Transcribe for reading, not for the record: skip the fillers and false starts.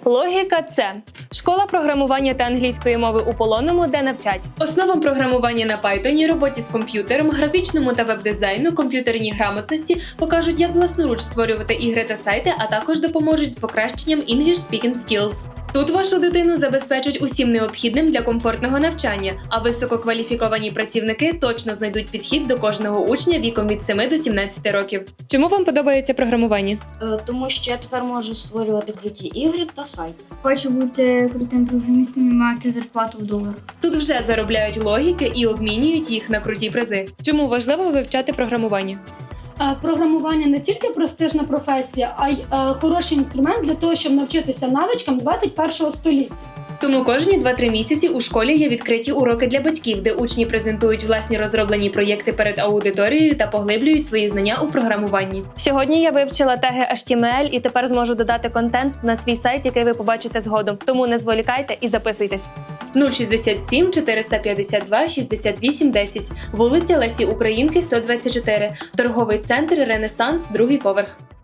Логіка – це школа програмування та англійської мови у Полонному, де навчать Основам програмування на Python, роботі з комп'ютером, графічному та веб-дизайну, комп'ютерній грамотності, покажуть, як власноруч створювати ігри та сайти, а також допоможуть з покращенням English Speaking Skills. Тут вашу дитину забезпечать усім необхідним для комфортного навчання, а висококваліфіковані працівники точно знайдуть підхід до кожного учня віком від 7 до 17 років. Чому вам подобається програмування? Тому що я тепер можу створювати круті ігри та сайти. Хочу бути крутим програмістом і мати зарплату в доларах. Тут вже заробляють логіки і обмінюють їх на круті призи. Чому важливо вивчати програмування? Програмування не тільки престижна професія, а й хороший інструмент для того, щоб навчитися навичкам 21 століття. Тому кожні 2-3 місяці у школі є відкриті уроки для батьків, де учні презентують власні розроблені проєкти перед аудиторією та поглиблюють свої знання у програмуванні. Сьогодні я вивчила теги HTML і тепер зможу додати контент на свій сайт, який ви побачите згодом. Тому не зволікайте і записуйтесь. 067 452 68 10, вулиця Лесі Українки, 124, торговий центр «Ренесанс», 2-й поверх.